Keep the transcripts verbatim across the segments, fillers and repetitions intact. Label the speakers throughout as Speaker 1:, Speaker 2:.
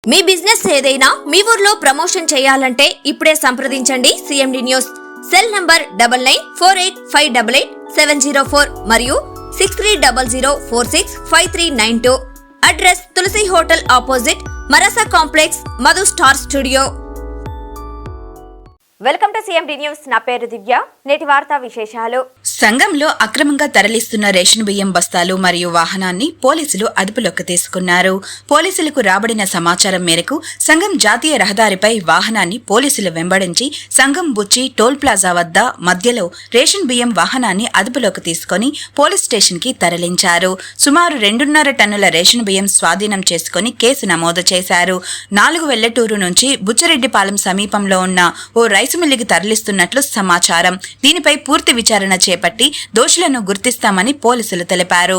Speaker 1: మీ business ఏదైనా మీ ఊర్లో promotion చేయాలంటే ఇప్పుడే సంప్రదించండి CMD news. Cell number double nine four eight five double eight seven zero four మరియు six three double zero four six five three nine two. Address Tulasi hotel opposite Marasa complex, Madhu star studio. Welcome to CMD news. నా పేరు దివ్య. నేటి వార్తా విశేషాలు.
Speaker 2: సంఘంలో అక్రమంగా తరలిస్తున్న ration బియ్యం బస్తాలు మరియు వాహనాన్ని పోలీసులు అదుపులోకి తీసుకున్నారు. పోలీసులకు రాబడిన సమాచారం మేరకు సంఘం జాతీయ రహదారిపై వాహనాన్ని పోలీసులు వెంబడించి సంఘం బుచ్చి టోల్ ప్లాజా వద్ద మధ్యలో రేషన్ బియ్యం వాహనాన్ని అదుపులోకి తీసుకుని పోలీస్ స్టేషన్ కి తరలించారు. సుమారు రెండున్నర టన్నుల రేషన్ బియ్యం స్వాధీనం చేసుకుని కేసు నమోదు చేశారు. నాలుగు వెల్లటూరు నుంచి బుచ్చిరెడ్డిపాలెం సమీపంలో ఉన్న ఓ రైసు మిల్లుకి తరలిస్తున్నట్లు సమాచారం. దీనిపై పూర్తి విచారణ చేపట్టి దోషులను గుర్తిస్తామని పోలీసులు తెలిపారు.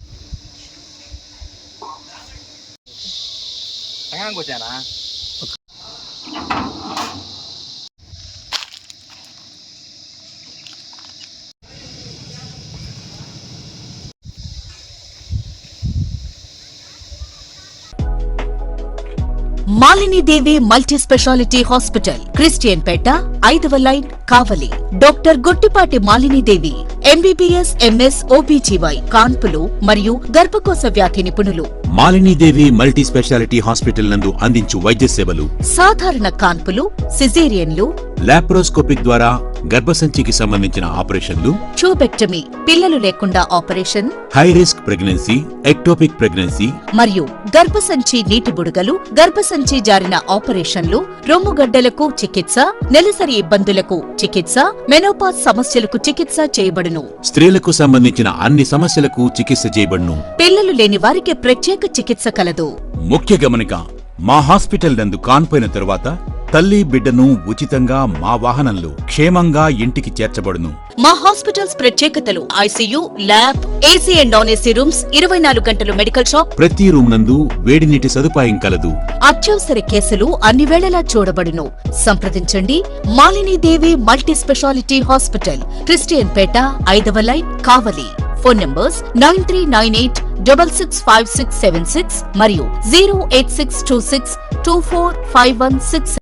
Speaker 3: Malinidevi multi speciality hospital, Christian పేట, ఐదవ line, Kavali. Doctor Guttipati Malinidevi MBBS, MS, OBGY, కాన్పులు మరియు గర్భకోశ వ్యాధి నిపుణులు.
Speaker 4: మాలినీదేవి మల్టీ స్పెషాలిటీ హాస్పిటల్ నందు అందించు వైద్య సేవలు:
Speaker 3: సాధారణ కాన్పులు, సిజేరియన్లు,
Speaker 4: లాప్రోస్కోపిక్ ద్వారా గర్భసంచికి సంబంధించిన ఆపరేషన్లు,
Speaker 3: ట్యూబెక్టమీ, పిల్లలు లేకుండా operation,
Speaker 4: high risk pregnancy, ectopic pregnancy
Speaker 3: మరియు గర్భసంచి నీటి బుడగలు, గర్భసంచి జారిన ఆపరేషన్లు, రొమ్ముగడ్డలకు చికిత్స, నెలసరి ఇబ్బందులకు చికిత్స, మెనోపాజ్ సమస్యలకు చికిత్స చేయబడును.
Speaker 4: స్త్రీలకు సంబంధించిన అన్ని సమస్యలకు చికిత్స చేయబడును.
Speaker 3: పిల్లలు లేని వారికి ప్రత్యేక చికిత్స కలదు.
Speaker 4: ముఖ్య గమనిక: మా హాస్పిటల్ నందు కాన్పోయిన తరువాత తల్లి బిడ్డను ఉచితంగా మా వాహనంలో క్షేమంగా ఇంటికి చేర్చబడును.
Speaker 3: మా హాస్పిటల్స్ ప్రత్యేకతలు: ICU, lab, AC and non AC rooms, ఇరవై నాలుగు గంటలు మెడికల్ షాప్,
Speaker 4: ప్రతి రూమ్ నందు వేడి నీటి సదుపాయం కలదు.
Speaker 3: అత్యవసర కేసులు అన్ని వేళలా చూడబడును. సంప్రదించండి Malinidevi multi speciality hospital, Christian పేట, ఐదవ line, Kavali. Phone numbers nine three nine eight double six five six seven six మరియు zero eight six two six two four five one six.